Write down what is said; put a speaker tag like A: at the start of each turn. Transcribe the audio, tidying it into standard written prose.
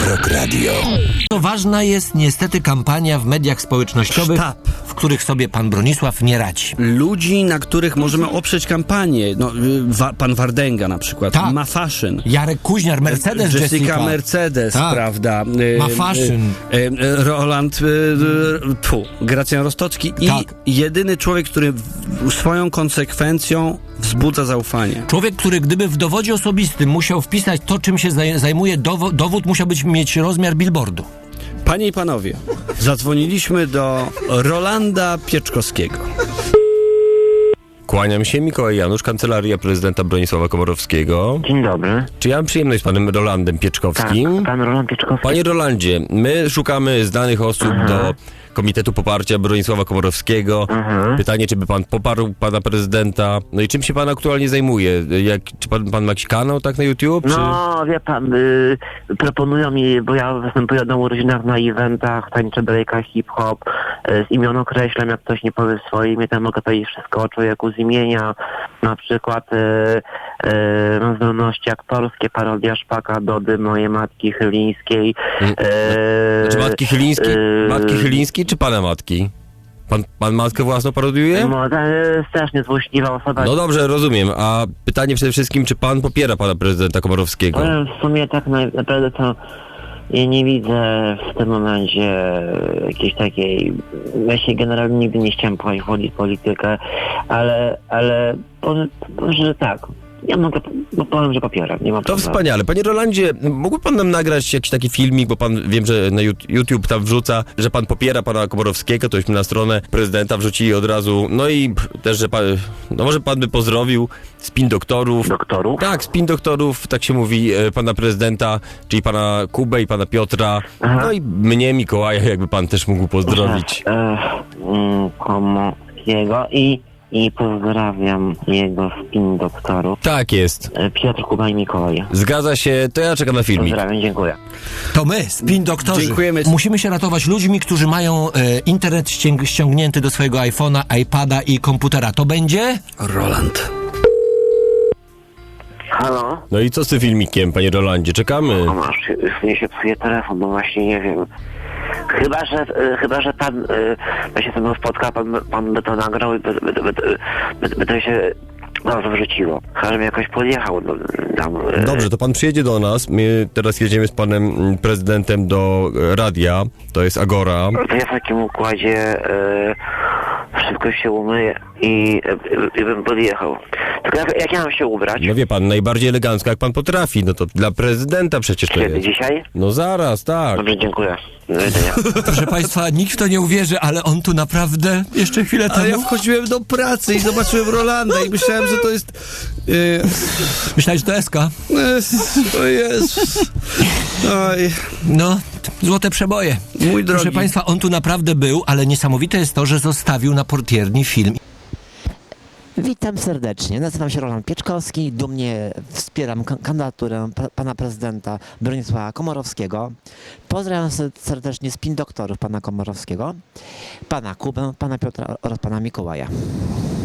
A: Rock Radio.
B: To ważna jest niestety kampania w mediach społecznościowych, w których sobie pan Bronisław nie radzi.
C: Ludzi, na których możemy oprzeć kampanię. No, pan Wardęga na przykład.
B: Tak.
C: Ma fashion.
B: Jarek Kuźniar, Mercedes
C: Jessica Mercedes,
B: tak.
C: Prawda?
B: Ma fashion.
C: Roland, Gracjan Rostocki i
B: tak.
C: jedyny człowiek, który swoją konsekwencją wzbudza zaufanie.
B: Człowiek, który gdyby w dowodzie osobistym musiał wpisać to, czym się zajmuje, dowód musiał mieć rozmiar billboardu.
C: Panie i panowie, zadzwoniliśmy do Rolanda Pieczkowskiego.
D: Kłaniam się, Mikołaj Janusz, Kancelaria Prezydenta Bronisława Komorowskiego.
E: Dzień dobry.
D: Czy ja mam przyjemność z panem Rolandem Pieczkowskim?
E: Tak, pan Roland Pieczkowski.
D: Panie Rolandzie, my szukamy znanych osób do Komitetu Poparcia Bronisława Komorowskiego. Pytanie, czy by pan poparł pana prezydenta? No i czym się pan aktualnie zajmuje? Czy pan ma jakiś kanał tak na YouTube?
E: No, wie pan, proponują mi, bo ja występuję na urodzinach, na eventach, tańczę breaka, hip-hop, z imion określam, jak ktoś nie powie swoje imię, to mogę powiedzieć wszystko o człowieku z imienia, na przykład mam zdolności aktorskie, parodia Szpaka, Dody, mojej matki Chylińskiej.
D: Znaczy matki Chylińskiej czy pana matki? Pan matkę własną parodiuje?
E: No, strasznie złośliwa osoba.
D: No dobrze, rozumiem. A pytanie przede wszystkim, czy pan popiera pana prezydenta Komorowskiego?
E: W sumie tak naprawdę to ja nie widzę w tym momencie jakiejś takiej... Ja się generalnie nigdy nie chciałem wchodzić w politykę, ale powiem, że tak. Ja powiem, że popieram. Nie ma
D: To
E: problemu.
D: wspaniale. Panie Rolandzie, mógłby pan nam nagrać jakiś taki filmik, bo pan, wiem, że na YouTube tam wrzuca, że pan popiera pana Komorowskiego, tośmy na stronę prezydenta wrzucili od razu, no i też, że pan, no może pan by pozdrowił spin doktorów.
E: Doktorów?
D: Tak, spin doktorów, tak się mówi, pana prezydenta, czyli pana Kubę i pana Piotra, no i mnie, Mikołaja, jakby pan też mógł pozdrowić.
E: Komorowskiego i pozdrawiam jego spin doktorów.
D: Tak jest.
E: Piotr, Kuba i Mikołaj.
D: Zgadza się, to ja czekam na filmik.
E: Pozdrawiam, dziękuję.
B: To my, spin doktorzy.
C: Dziękujemy.
B: Musimy się ratować ludźmi, którzy mają internet ściągnięty do swojego iPhone'a, iPada i komputera. To będzie?
C: Roland.
E: Halo?
D: No i co z tym filmikiem, panie Rolandzie? Czekamy.
E: Już mnie się psuje telefon, bo właśnie nie wiem. Chyba, że pan się ze mną spotka, pan by to nagrał i by to się wrzuciło. Chyba, żebym jakoś podjechał tam.
D: Dobrze, to pan przyjedzie do nas. My teraz jedziemy z panem prezydentem do radia. To jest Agora.
E: To ja w takim układzie szybko się umyję i bym podjechał. Tylko jak ja mam się ubrać?
D: No wie pan, najbardziej elegancko jak pan potrafi. No to dla prezydenta przecież to
E: Kiedy?
D: jest.
E: Dzisiaj?
D: No zaraz, tak.
E: Dobrze, dziękuję. Do widzenia.
B: Proszę państwa, nikt w to nie uwierzy, ale on tu naprawdę jeszcze chwilę
C: A ja
B: temu...
C: wchodziłem do pracy i zobaczyłem Rolanda i myślałem, że to jest...
B: Myślałeś, że to SK?
C: O Jezus. Oj,
B: No, złote przeboje.
C: mój drogi.
B: Proszę państwa, on tu naprawdę był, ale niesamowite jest to, że zostawił na portierni film.
F: Witam serdecznie. Nazywam się Roland Pieczkowski. Dumnie wspieram kandydaturę pana prezydenta Bronisława Komorowskiego. Pozdrawiam serdecznie spin doktorów pana Komorowskiego, pana Kubę, pana Piotra oraz pana Mikołaja.